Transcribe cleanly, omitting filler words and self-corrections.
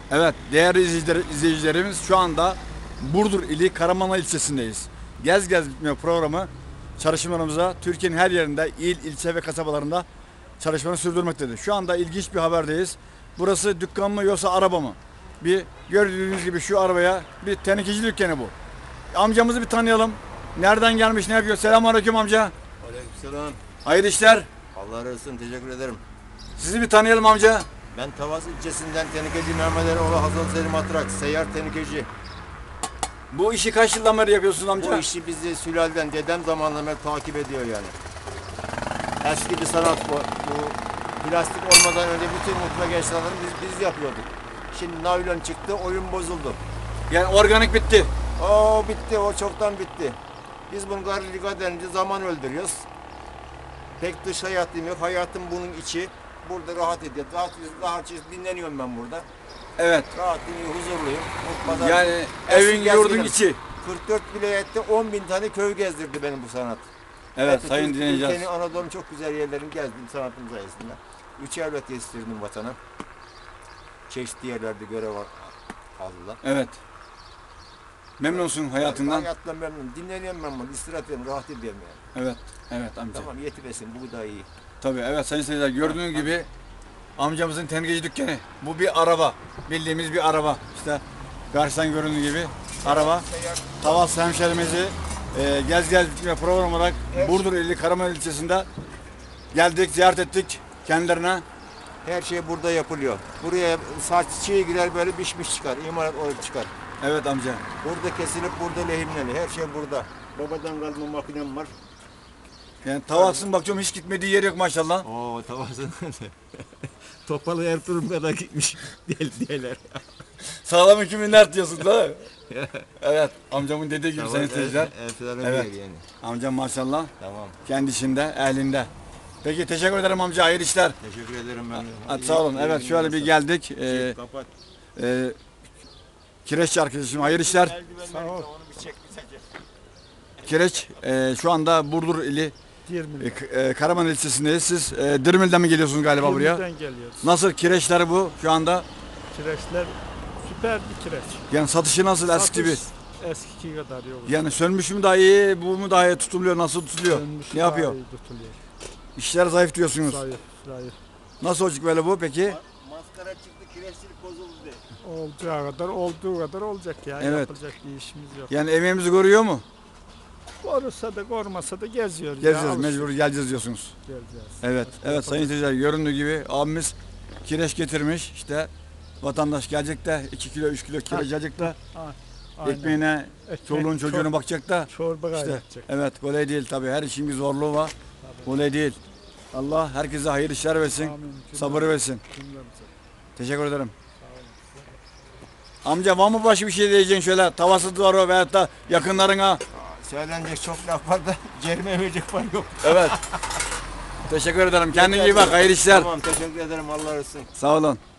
Evet, değerli izleyicilerimiz şu anda Burdur ili Karamanlı ilçesindeyiz. Gez Gez Bitmiyor programı çalışmalarımıza Türkiye'nin her yerinde il, ilçe ve kasabalarında çalışmalarını sürdürmektedir. Şu anda ilginç bir haberdeyiz. Burası dükkan mı yoksa araba mı? Bir gördüğünüz gibi şu arabaya bir tenekeci dükkanı bu. Amcamızı bir tanıyalım. Nereden gelmiş, ne yapıyor? Selamünaleyküm amca. Aleykümselam. Hayırlı işler. Allah razı olsun. Teşekkür ederim. Sizi bir tanıyalım amca. Ben Tavas ilçesinden tenekeci Mehmet Eroğlu Hazal Selim Atrak. Seyyar tenekeci. Bu işi kaç yıldan beri yapıyorsunuz amca? Bu işi bizi sülalden, dedem zamanından beri takip ediyor yani. Eski bir sanat bu. Bu plastik olmadan önce bütün mutfak eşyalarını biz yapıyorduk. Şimdi naylon çıktı, oyun bozuldu. Yani organik bitti. O bitti, o çoktan bitti. Biz bunu gariliga denince zaman öldürüyoruz. Pek dış hayatım yok. Hayatım bunun içi. Burada rahat ediyor. Rahat dinleniyorum ben burada. Evet. Rahat, huzurluyum. Pazar, Yani evin yurdun içi. 44 vilayette 10.000 tane köy gezdirdi benim bu sanat. Evet sayın dinleyiciler. Ülkenin, Anadolu'nun çok güzel yerlerini gezdim sanatım sayesinde. 3 evlat yetiştirdim vatana. Çeşitli yerlerde görev aldılar. Evet. Memnunsun hayatından. Hayattan memnunum. Dinleniyorum ben bunu. İstirahat ediyorum, rahat ediyorum yani. Evet. Evet amca. Tamam yetivesin, bu da iyi. Tabii evet sayın seyirciler gördüğünüz gibi amcamızın tenekeci dükkanı. Bu bir araba. Bildiğimiz bir araba. İşte karşıdan göründüğü gibi araba. Tavas hemşerimizi Gez Gez Bitmiyor program olarak Burdur ili Karaman ilçesinde geldik, ziyaret ettik kendilerine. Her şey burada yapılıyor. Buraya saç çiğ girer böyle pişmiş çıkar. İmalat olup çıkar. Evet amca. Burada kesilip burada lehimleniyor. Her şey burada. Babadan kalma makinem var. Yani Tavas'ın bakıyorum hiç gitmediği yer yok maşallah. Oo tavasın. Topalı Ertuğrul kadar gitmiş diyeler. Sağlam hükümler diyorsun değil mi? Evet amcamın dediği gibi sayın seyirciler. Evet. Yani. Amcam maşallah Tamam. kendisinde, ehlinde. Peki teşekkür ederim amca, hayırlı işler. Teşekkür ederim ben. Hadi sağ olun. Evet şöyle bir geldik. Kapat. Kireççi arkadaşım hayırlı işler. Sağ ol. Onu bir çek bir çek. Kireç şu anda Burdur ili Karaman ilçesindeyiz. Siz Dirmil'den mi geliyorsunuz galiba buraya? Dirmil'den geliyoruz. Nasıl kireçler bu şu anda? Kireçler süper bir kireç. Yani satışı nasıl eski gibi? Eskiki kadar yok. Yani sönmüş mü daha iyi, bu mu daha iyi tutuluyor, nasıl tutuluyor? Sönmüşü Ne yapıyor? daha iyi tutuluyor. İşler zayıf diyorsunuz. Zayıf. Nasıl olacak böyle bu peki? Maskara çıktı, kireçlik bozuldu de. Olduğu kadar olacak ya. Evet. Yapılacak bir işimiz yok. Yani emeğimizi görüyor mu? Korursa da kormasa da geziyoruz. Gezeceğiz, mecbur geleceğiz diyorsunuz. Gezeceğiz. Evet, evet sayın seyirciler göründüğü gibi abimiz kireç getirmiş. İşte vatandaş gelecek de 2 kilo 3 kilo kireç alacak da Aynen. ekmeğine, çoluğun çocuğuna bakacak da Çorba işte kaynatacak. evet kolay değil tabii, her işin bir zorluğu var. Kolay değil. Allah herkese hayır işler versin, Amin. sabır versin. Cümlemize. Teşekkür ederim. Amca var mı başka bir şey diyeceksin şöyle tavası duvarı veyahut da yakınlarına? Söylenecek çok laf var da cerime verecek var yok. Evet. Teşekkür ederim. Kendine iyi bak. Hayırlı işler. Tamam teşekkür ederim Allah razı olsun. Sağ olun.